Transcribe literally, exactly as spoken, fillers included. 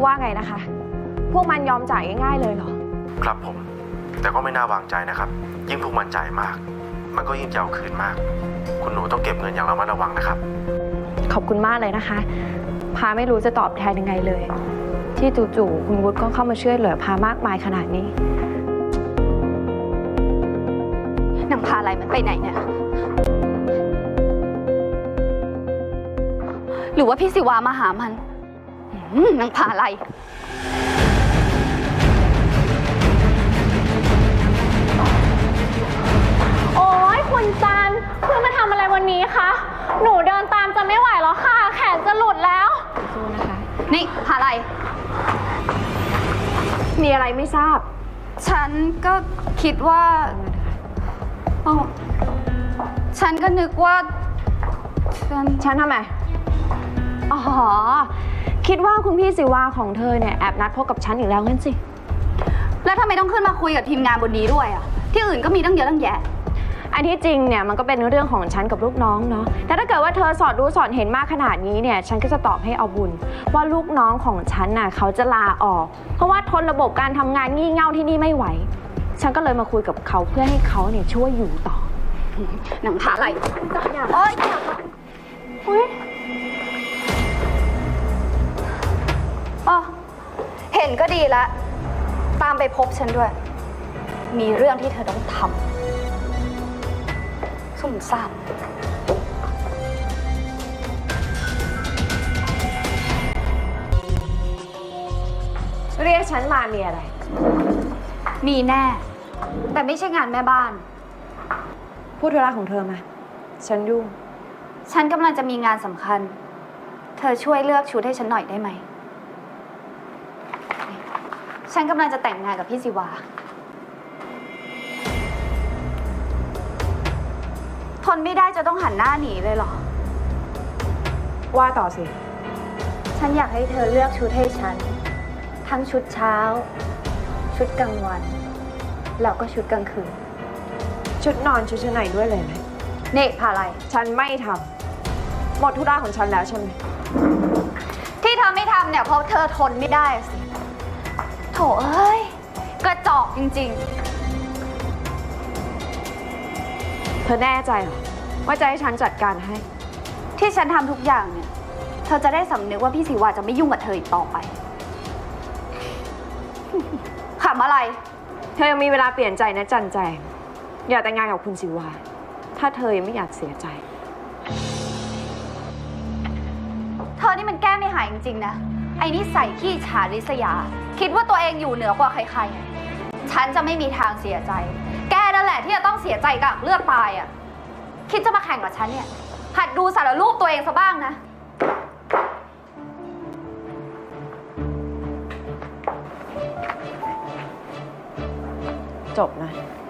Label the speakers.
Speaker 1: ว่าไงนะคะพวกมันยอมจ่ายง่ายๆเลยเหรอ
Speaker 2: ครับผมแต่ก็ไม่น่าวางใจนะครับยิ่งพวกมันจ่ายมากมันก็ยิ่งจะเอาคืนมากคุณหนูต้องเก็บเงินอย่างระมัดระวังนะครับ
Speaker 1: ขอบคุณมากเลยนะคะพาไม่รู้จะตอบแทนยังไงเลยที่จู่ๆคุณวุฒิก็เข้ามาช่วยเหลือพามากมายขนาดนี้
Speaker 3: นางพาอะไรมันไปไหนเนี่ยหรือว่าพี่สิวามาหามันนางพาอะไร
Speaker 4: โอ้ยคุณจันเพื่อนมาทำอะไรวันนี้คะหนูเดินตามจะไม่ไหวแล้วค่ะแขนจะหลุดแล้ว
Speaker 1: สู้นะคะ
Speaker 3: นี่พาอะไร
Speaker 1: มีอะไรไม่ทราบ
Speaker 3: ฉันก็คิดว่าอ๋อฉันก็นึกว่าฉัน
Speaker 1: ฉันทำไมอ๋อคิดว่าคุณพี่สิวาของเธอเนี่ยแอบนัดพบกับฉันอีกแล้วงั้นสิ
Speaker 3: แล้วทำไมต้องขึ้นมาคุยกับทีมงานบนนี้ด้วยอ่ะที่อื่นก็มีตั้งเยอะตั้งแยะ
Speaker 1: อันที่จริงเนี่ยมันก็เป็นเรื่องของฉันกับลูกน้องเนาะแต่ถ้าเกิดว่าเธอสอดรู้สอดเห็นมากขนาดนี้เนี่ยฉันก็จะตอบให้เอาบุญว่าลูกน้องของฉันน่ะเขาจะลาออกเพราะว่าทนระบบการทำงานงี่เง่าที่นี่ไม่ไหวฉันก็เลยมาคุยกับเขาเพื่อให้เขาเนี่ยช่วยอยู่ต่อ
Speaker 3: หนังผาอะไรโอ๊ยอุ๊ยอ๋อเห็นก็ดีละตามไปพบฉันด้วยมีเรื่องที่เธอต้องทำสุ่มซ่าม
Speaker 1: เรียกฉันมามีอะไร
Speaker 3: มีแน่แต่ไม่ใช่งานแม่บ้าน
Speaker 1: พูดธุระของเธอมาฉันยุ่ง
Speaker 3: ฉันกำลังจะมีงานสำคัญเธอช่วยเลือกชุดให้ฉันหน่อยได้ไหมฉันกำลังจะแต่งงานกับพี่สิวาทนไม่ได้จะต้องหันหน้าหนีเลยเหรอ
Speaker 1: ว่าต่อสิ
Speaker 3: ฉันอยากให้เธอเลือกชุดให้ฉันทั้งชุดเช้าชุดกลางวันแล้วก็ชุดกลางคืน
Speaker 1: ชุดนอนชุดชั้นในด้วยเลยไหม
Speaker 3: เนกพาอะไร
Speaker 1: ฉันไม่ทำหมดธุระของฉันแล้วใช่ไหม
Speaker 3: ที่เธอไม่ทำเนี่ยเพราะเธอทนไม่ได้สิโถเอ้ยกระจอกจริงๆ
Speaker 1: เธอแน่ใจเหรอว่าจะให้ฉันจัดการให้
Speaker 3: ที่ฉันทำทุกอย่างเนี่ยเธอจะได้สำนึกว่าพี่สิวาจะไม่ยุ่งกับเธออีกต่อไปขำอะไร
Speaker 1: เธอยังมีเวลาเปลี่ยนใจนะจันแจงอย่าแต่งงานกับคุณสิวาถ้าเธอยังไม่อยากเสียใจ
Speaker 3: เธอนี่มันแก้ไม่หายจริงๆนะไอ้นี่ใส่ขี้ฉาริษยาคิดว่าตัวเองอยู่เหนือกว่าใครๆฉันจะไม่มีทางเสียใจแกนั่นแหละที่จะต้องเสียใจกับเลือดตายอ่ะคิดจะมาแข่งกับฉันเนี่ยหัดดูสารรูปตัวเองซะบ้างนะ
Speaker 1: จบนะ